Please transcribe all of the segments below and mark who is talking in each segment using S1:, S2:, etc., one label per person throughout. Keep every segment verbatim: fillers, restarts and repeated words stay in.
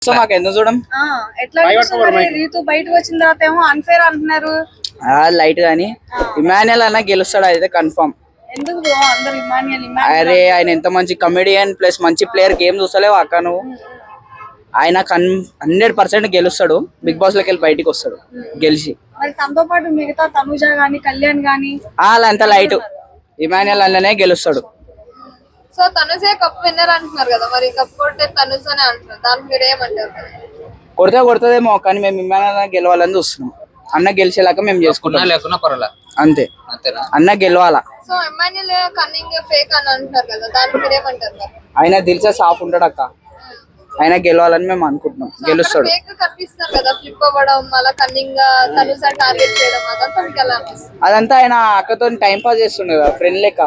S1: So మాకు ఎందుకు చూడం
S2: ఎట్లా రీతు బయటకు వచ్చిన తర్వాత ఏమో అన్ఫేర్ అంటున్నారు.
S1: లైట్ గానీ ఇమాన్యుయల్ అన్న గెలుస్తాడు అయితే కన్ఫర్మ్.
S2: ఎందుకు బ్రో అందరూ ఇమాన్యుయల్
S1: అరే ఆయన ఎంత మంచి కమెడియన్ ప్లస్ మంచి ప్లేయర్, గేమ్ చూస్తలేవు అక్క నువ్వు. ఆయన కన్ హండ్రెడ్ పర్సెంట్ గెలుస్తాడు, బిగ్ బాస్ లోకి వెళ్ళి బయటికి వస్తాడు గెలిచి.
S2: మరి తనతో పాటు మిగతా తనుజ గానీ కళ్యాణ్ గానీ
S1: వాళ్ళంతా లైట్, ఇమాన్యుయల్ అన్ననే గెలుస్తాడు.
S3: సో తనుజే కప్ విన్నర్ అంటున్నారు కదా, మరి కప్ కొట్టే తనుజనే అంటున్నారు, దానికి మీరు ఏమంటారు?
S1: కొడితే కొడుతుందేమో కానీ మేము ఇమాన్యుయల్ గెలవాలని చూస్తున్నాం. అన్న గెలిచేలాగా మేము చేసుకుంటాం అంతే, అన్న గెలవాలా.
S3: సో ఇమాన్యుయల్ కన్నింగ్ ఫేక్ అని అంటున్నారు కదా, దానికి మీరు ఏమంటారు?
S1: ఆయన దిల్చే సాఫ్ ఉంటాడు అక్క, ఆయన గెలవాలని మేము అనుకుంటున్నాం, గెలుస్తాడు.
S3: ఫేక్ కనిపిస్తున్నారు కదా, ఫ్లిప్ అవ్వడం అలా కన్నింగ్ తనుజ టార్గెట్ చేయడం అదంతా మీకు ఎలా అనిపిస్తుంది?
S1: అదంతా ఆయన అక్కతో టైం పాస్ చేస్తుండే కదా, ఫ్రెండ్ లెక్క.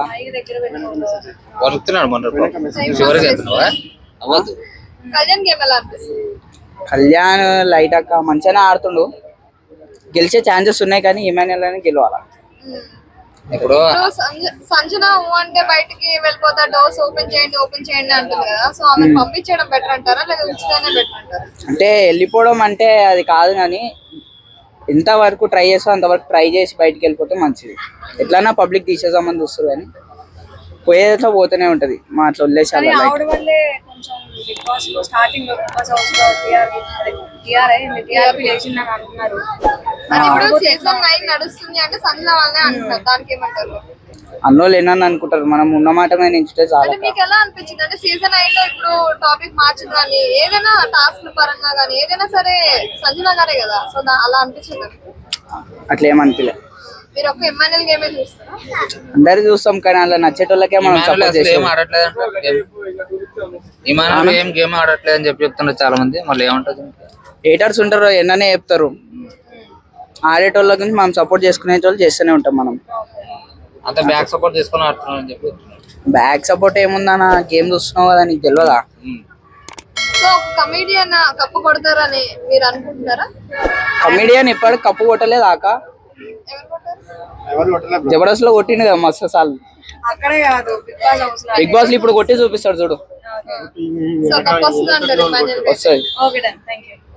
S3: కళ్యాణ్ గేమ్ ఎలా అనిపిస్తుంది?
S1: కళ్యాణ్ లైట్ అక్క మంచిగానే ఆడుతుండు, గెలిచే ఛాన్సెస్ ఉన్నాయి కానీ ఇమాన్యుయల్ అని గెలవాలా.
S3: ఇప్పుడు సంజన అంటే బయటికి వెళ్ళిపోతా, డోర్స్ ఓపెన్ చేయండి ఓపెన్ చేయండి అంటుంది కదా, సో ఆమె పంపించడం బెటర్ అంటారా లేదా ఉంచితేనే బెటర్ అంటారా?
S1: అంటే వెళ్ళిపోవడం అంటే అది కాదు కానీ ఎంత వరకు ట్రై చేస్తా అంతవరకు ట్రై చేసి బయటికి వెళ్ళిపోతే మంచిది. ఎట్లన్నా పబ్లిక్ తీసేద్దామని చూస్తారు కానీ పోయేట్లో పోతూనే ఉంటది. మా అట్లా వదిలేసాలి. అన్నోళ్ళు ఏనని అనుకుంటారు, మనం ఉన్న మాట మీద నించుంటే చాలా.
S3: మీకు ఎలా అనిపించింది అంటే సీజన్ నైన్ లో ఇప్పుడు టాపిక్ మార్చింది కానీ ఏదైనా టాస్క్ పరంగా కానీ ఏదైనా సరే సంజన గారే కదా, సో అలా అనిపించింది?
S1: అట్లా ఏమనిపించలే.
S3: మీరు ఒక ఇమాన్యుయల్ గేమే చూస్తారా?
S1: అందరు చూస్తాం కానీ అలా నచ్చేటోళ్ళకే మనం సపోర్ట్ చేస్తాం.
S4: ఏం గేమ్ ఆడట్లేదు అని చెప్పి చెప్తున్నారు చాలా మంది. మళ్ళీ ఏమంటారు,
S1: హేటర్స్ ఉంటారు ఎన్ననే చెప్తారు. ఆడేటోళ్ళ గురించి మనం సపోర్ట్ చేసుకునే వాళ్ళు చేస్తూనే ఉంటాం. మనం
S4: అంత బ్యాక్ సపోర్ట్ చేసుకుని ఆడుతున్నాం అని చెప్పి.
S1: బ్యాక్ సపోర్ట్ ఏముందన్న, గేమ్ చూస్తున్నావు కదా నీకు తెలియదా?
S3: సో కమెడియన్ కప్పు కొడతారని మీరు అనుకుంటున్నారా?
S1: కమెడియన్ ఇప్పటికి కప్పు కొట్టలేదు ఆక, జబర్దస్త్ లో కొట్టిండు కదా మస్తు సార్లు.
S2: అక్కడే కాదు
S1: బిగ్ బాస్ లో ఇప్పుడు కొట్టి చూపిస్తాడు చూడు,
S3: సో కప్పు వస్తుంది అంటారు ఇమాన్యుయల్.
S1: వస్తుంది.
S2: Okay done, thank you.